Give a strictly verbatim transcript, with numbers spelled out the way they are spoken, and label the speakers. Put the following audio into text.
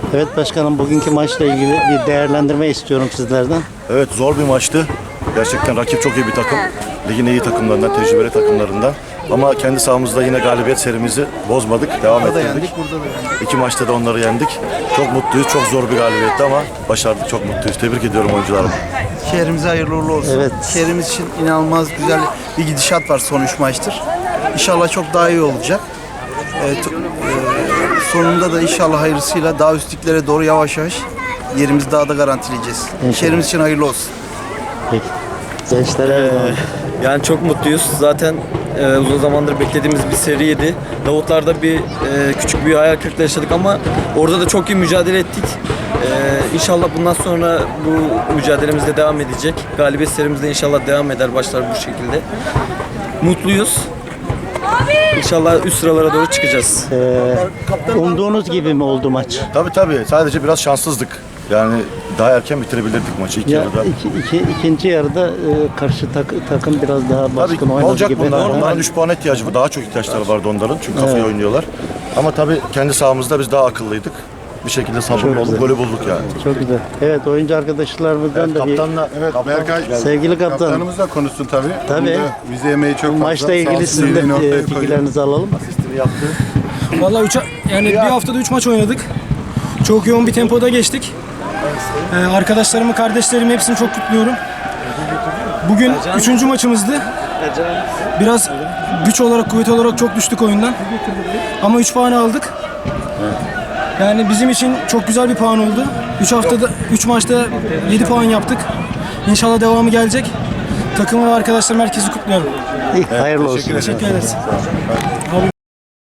Speaker 1: Evet başkanım, bugünkü maçla ilgili bir değerlendirme istiyorum sizlerden.
Speaker 2: Evet, zor bir maçtı. Gerçekten rakip çok iyi bir takım. Ligin iyi takımlarından, tecrübeli takımlarından. Ama kendi sahamızda yine galibiyet serimizi bozmadık. Devam
Speaker 3: Burada da
Speaker 2: ettirdik.
Speaker 3: yendik, burada da yendik.
Speaker 2: İki maçta da onları yendik. Çok mutluyuz. Çok zor bir galibiyetti ama başardık. Çok mutluyuz. Tebrik ediyorum oyuncularımı.
Speaker 3: Şehrimize hayırlı uğurlu olsun.
Speaker 1: Evet.
Speaker 3: Şehrimiz için inanılmaz güzel bir gidişat var son üç maçtır. İnşallah çok daha iyi olacak. Ee, t- e, sonunda da inşallah hayırlısıyla daha üstlüklere doğru yavaş yavaş yerimizi daha da garantileyeceğiz.
Speaker 1: İnşallah.
Speaker 3: Şehrimiz için hayırlı olsun.
Speaker 1: Peki. Gençlere
Speaker 4: Yani çok mutluyuz. Zaten e, uzun zamandır beklediğimiz bir seriydi. Davutlar'da bir e, küçük bir hayal kırıklığı yaşadık ama orada da çok iyi mücadele ettik. E, inşallah bundan sonra bu mücadelemiz de devam edecek. Galibiyet serimiz de inşallah devam eder, başlar bu şekilde. Mutluyuz. İnşallah üst sıralara doğru çıkacağız.
Speaker 1: umduğunuz gibi mi oldu maç?
Speaker 2: Tabii tabii. Sadece biraz şanssızdık. Yani daha erken bitirebilirdik maçı ilk
Speaker 1: Ya,
Speaker 2: yarıda.
Speaker 1: iki, iki, ikinci yarıda e, karşı tak- takım biraz daha baskın
Speaker 2: Tabii
Speaker 1: oynadı
Speaker 2: olacak
Speaker 1: gibi.
Speaker 2: bunlar.
Speaker 1: Ama
Speaker 2: Onların üç puan ihtiyacı var. Daha çok ihtiyaçları vardı onların. Çünkü kafayı oynuyorlar. Ama tabii kendi sahamızda biz daha akıllıydık. Bir şekilde sabırlı
Speaker 1: Çok
Speaker 2: olduk,
Speaker 1: güzel.
Speaker 2: golü bulduk yani.
Speaker 1: Çok güzel. Evet, oyuncu arkadaşlarımızdan da bir
Speaker 2: Kaptanla,
Speaker 5: Evet, Berkay,
Speaker 1: sevgili kaptan,
Speaker 5: kaptanımız da konuşsun tabii.
Speaker 1: Tabii.
Speaker 5: Bunda vize emeği çok fazla.
Speaker 1: maçla
Speaker 5: Sağ
Speaker 1: ilgili
Speaker 5: olsun,
Speaker 1: sizin de
Speaker 5: iyiliğini ortaya
Speaker 1: e,
Speaker 5: koyuyor.
Speaker 1: fikirlerinizi alalım.
Speaker 6: Vallahi üç, yani bir haftada üç maç oynadık. Çok yoğun bir tempoda geçtik. Ee, arkadaşlarımı, kardeşlerimi hepsini çok kutluyorum. Bugün üçüncü maçımızdı. Biraz güç olarak, kuvvet olarak çok düştük oyundan. Ama üç puan aldık. Yani bizim için çok güzel bir puan oldu. üç haftada, üç maçta yedi puan yaptık. İnşallah devamı gelecek. Takımı ve arkadaşlarım, herkesi kutluyorum.
Speaker 1: Hayırlı olsun.
Speaker 6: Teşekkür ederiz.